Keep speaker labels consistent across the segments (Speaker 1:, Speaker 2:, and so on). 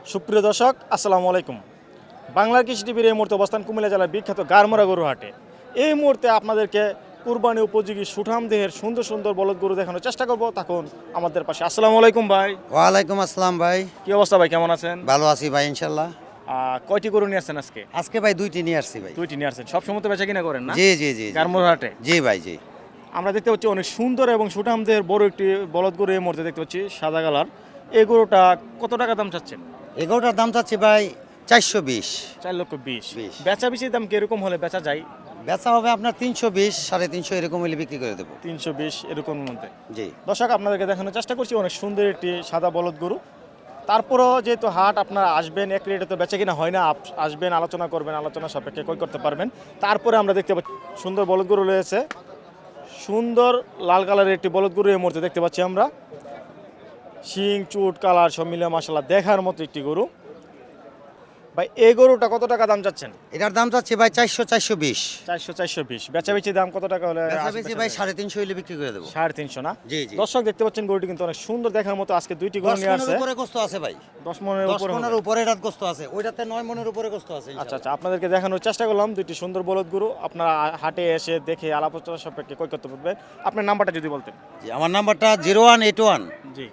Speaker 1: সুপ্রিয় দর্শক আসসালামু আলাইকুম। বাংলার কৃষি টিভির এই মুহূর্তে অবস্থান কুমিল্লা জেলার বিখ্যাত গারমোরা গরু হাটে। এই মুহূর্তে আপনাদেরকে কুরবানি উপযোগী সুঠাম দেহের সুন্দর সুন্দর বলদ গরু দেখানোর চেষ্টা করব। তখন আমাদের পাশে আসসালামু আলাইকুম ভাই।
Speaker 2: ওয়ালাইকুম আসসালাম ভাই।
Speaker 1: কি অবস্থা ভাই, কেমন আছেন?
Speaker 2: ভালো আছি ভাই ইনশাল্লাহ।
Speaker 1: কয়টি গরু নিয়ে আসছেন আজকে?
Speaker 2: আজকে ভাই দুইটি নিয়ে আসছি ভাই।
Speaker 1: দুইটি নিয়ে আসছেন। সবসময় তো বেচা কিনা করেন না?
Speaker 2: জি জি জি
Speaker 1: গারমোরা হাটে।
Speaker 2: জি ভাই জি।
Speaker 1: আমরা দেখতে পাচ্ছি অনেক সুন্দর এবং সুঠাম দেহের বড় একটি বলদ গরু এই মুহূর্তে দেখতে পাচ্ছি, সাদা কালার। এই গরুটা কত টাকা দাম চাচ্ছেন?
Speaker 2: এগারোটার দাম চাচ্ছি ভাই 420।
Speaker 1: 4,20,000।
Speaker 2: 20
Speaker 1: বেচা বেশি দাম কিরকম হলে বেচা যায়?
Speaker 2: বেচা হবে আপনার 320, 350 এরকম হলে বিক্রি করে দেবো।
Speaker 1: 320 এরকম মধ্যে।
Speaker 2: জি
Speaker 1: দর্শক আপনাদেরকে দেখানোর চেষ্টা করছি অনেক সুন্দর একটি সাদা বলদ গরু। তারপরও যেহেতু হাট আপনারা আসবেন, এক রেটে তো বেচে কিনা হয় না, আসবেন আলোচনা করবেন, আলোচনা সাপেক্ষে ক্রয় করতে পারবেন। তারপরে আমরা দেখতে পাচ্ছি সুন্দর বলদ গরু রয়েছে, সুন্দর লাল কালারের একটি বলদ গরু এই মুহূর্তে দেখতে পাচ্ছি আমরা। শিং চুট কালার সব মিলে মাশাআল্লাহ দেখার মতো একটি গরু। ভাই এই গরুটা কত টাকা দাম চাচ্ছেন?
Speaker 2: এটার দাম চাচ্ছি ভাই 420।
Speaker 1: 420। বেচাবেচি দাম কত টাকা হলে?
Speaker 2: বেচা বেচি ভাই 350 হলে বিক্রি করে দেবো।
Speaker 1: 350 না?
Speaker 2: জি জি।
Speaker 1: দর্শক দেখতে পাচ্ছেন গরুটি কিন্তু অনেক সুন্দর দেখার মতো। আজকে দুইটি গরু
Speaker 2: 10
Speaker 1: নিয়ে
Speaker 2: মনের
Speaker 1: আসছে।
Speaker 2: উপরে গোস্ত আছে ভাই।
Speaker 1: 10 মনের
Speaker 2: 10
Speaker 1: উপরে হবে।
Speaker 2: মনের উপরে রাত গোস্ত আছে। ওইটাতে 9 মনের উপরে গোস্ত আছে
Speaker 1: আচ্ছা আচ্ছা, আপনাদেরকে দেখানোর চেষ্টা করলাম দুইটি সুন্দর বলদ গরু। আপনারা হাটে এসে দেখে আলাপ আলোচনা সাপেক্ষে ক্রয় করতে পারবেন। আপনার নাম্বারটা যদি বলতেন।
Speaker 2: জি আমার নাম্বারটা 0181
Speaker 1: জি।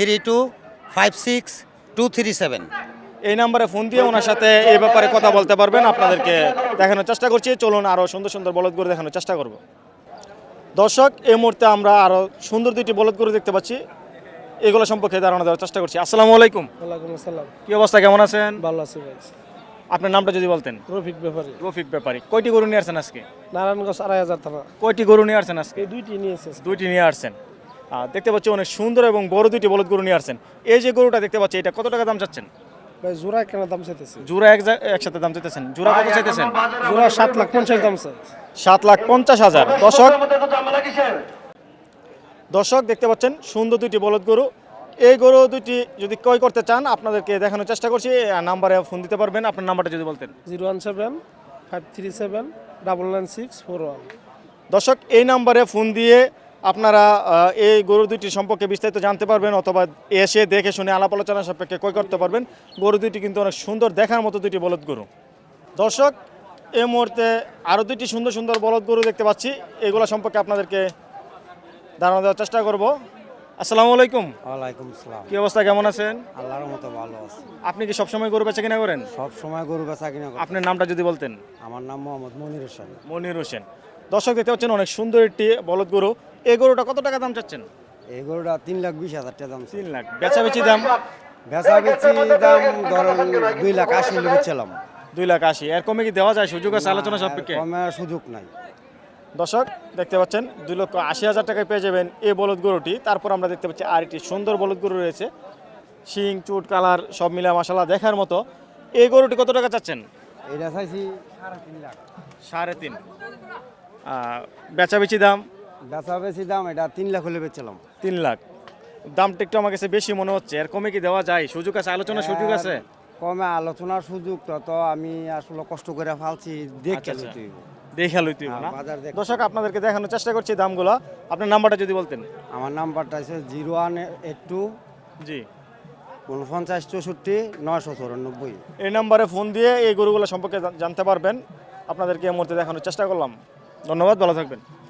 Speaker 2: 3256 237।
Speaker 1: এই নাম্বারে ফোন দিয়ে ওনার সাথে এই ব্যাপারে কথা বলতে পারবেন। আপনাদেরকে দেখানোর চেষ্টা করছি। চলুন আরও সুন্দর সুন্দর বলদ গরু দেখানোর চেষ্টা করব। দর্শক এই মুহূর্তে আমরা আরও সুন্দর দুইটি বলদ গরু দেখতে পাচ্ছি, এগুলো সম্পর্কে ধারণা দেওয়ার চেষ্টা করছি। আসসালামু আলাইকুম।
Speaker 3: ওয়ালাইকুম আসসালাম।
Speaker 1: কি অবস্থা, কেমন আছেন?
Speaker 3: ভালো আছি ভাই।
Speaker 1: আপনার নামটা যদি বলতেন।
Speaker 3: রফিক ব্যাপারী,
Speaker 1: রফিক ব্যাপারী। কয়টি গরু নিয়ে আসছেন আজকে?
Speaker 3: নারায়ণগঞ্জ 2,500 থানা।
Speaker 1: কয়টি গরু নিয়ে আসছেন আজকে?
Speaker 3: এই দুইটি নিয়েছে।
Speaker 1: দুইটি নিয়ে আসছেন। দেখতে পাচ্ছি অনেক সুন্দর এবং বড় দুইটি বলদ গরু নিয়ে আসছেন। এই যে গরুটা দেখতে পাচ্ছি, এটা কত টাকা দাম চাচ্ছেন?
Speaker 3: ভাই জোড়া কেন দাম চাইতেছে?
Speaker 1: জোড়া একসাথে দাম চাইতেছেন? জোড়া কত চাইতেছেন?
Speaker 3: জোড়া 7,50,000 দাম চাই।
Speaker 1: 7,50,000। দর্শক দেখতে পাচ্ছেন সুন্দর দুইটি বলদ গরু। এই গরু দুইটি যদি ক্রয় করতে চান আপনাদেরকে দেখানোর চেষ্টা করছি। নাম্বারে ফোন দিতে পারবেন। আপনার নাম্বারটা যদি বলতেন।
Speaker 3: 017-537-99641।
Speaker 1: দর্শক এই নাম্বারে ফোন দিয়ে আপনারা এই গরু দুইটি সম্পর্কে বিস্তারিত জানতে পারবেন, অথবা এসে দেখে শুনে আলাপ আলোচনা সাপেক্ষে ক্রয় করতে পারবেন। গরু দুইটি কিন্তু অনেক সুন্দর দেখার মতো দুইটি বলদ গরু। দর্শক এই মুহূর্তে আরও দুইটি সুন্দর সুন্দর বলদ গরু দেখতে পাচ্ছি, এগুলো সম্পর্কে আপনাদেরকে ধারণা দেওয়ার চেষ্টা করব। আসসালামু আলাইকুম।
Speaker 2: ওয়ালাইকুম আসসালাম।
Speaker 1: কি অবস্থা, কেমন আছেন?
Speaker 2: আল্লাহর মতো ভালো আছে।
Speaker 1: আপনি কি সবসময় গরু বেচা কিনা করেন?
Speaker 2: সব সময় গরু বেচা কিনা করি।
Speaker 1: আপনার নামটা যদি বলতেন।
Speaker 2: আমার নাম মোহাম্মদ মনির হোসেন।
Speaker 1: মনির হোসেন। দর্শক দেখতে পাচ্ছেন অনেক সুন্দর একটি বলদ গরু। এই গরুটা কত টাকা দাম চাচ্ছেন?
Speaker 2: এই গরুটা 3,20,000 টাকা দাম।
Speaker 1: 3 লাখ। বেচাবেচি দাম?
Speaker 2: বেচা বেচি দাম ধরেন 2,80,000 হলে বেচলাম।
Speaker 1: 2,80,000। এর কমে কি দেওয়া যায়? সুযোগ আছে আলোচনা সাপেক্ষে?
Speaker 2: কমার সুযোগ নাই।
Speaker 1: দর্শক দেখতে পাচ্ছেন 2,80,000 টাকায় পেয়ে যাবেন এই বলদ গরুটি। তারপর আমরা দেখতে পাচ্ছি আর একটি সুন্দর বলদ গরু রয়েছে, শিং চুট কালার সব মিলে মাশাআল্লাহ দেখার মতো। এই গরুটি কত টাকা চাচ্ছেন?
Speaker 2: এটা চাইছি 3.5 লাখ।
Speaker 1: 3.5। বেচাবেচি দাম?
Speaker 2: বেচা বেচি দাম এটা 3 লাখ হলে বেচলাম।
Speaker 1: 3 লাখ। দামটা একটু আমার কাছে বেশি মনে হচ্ছে। এর কমে কি দেওয়া যায়? সুযোগ আছে, আলোচনার সুযোগ আছে?
Speaker 2: কমে আলোচনার সুযোগ তো আমি আসলে কষ্ট করে ফালছি দেখে
Speaker 1: আচ্ছা,
Speaker 2: লইতে হইব।
Speaker 1: দেখা লইতে হবে না?
Speaker 2: বাজার দেখ।
Speaker 1: দর্শক আপনাদেরকে দেখানোর চেষ্টা করছি দামগুলো। আপনার নাম্বারটা যদি বলতেন।
Speaker 2: আমার নাম্বারটা আছে 0182
Speaker 1: জি।
Speaker 2: 49 64 994।
Speaker 1: এই নাম্বারে ফোন দিয়ে এই গরুগুলো সম্পর্কে জানতে পারবেন। আপনাদেরকে এই মুহূর্তে দেখানোর চেষ্টা করলাম। ধন্যবাদ, ভালো থাকবেন।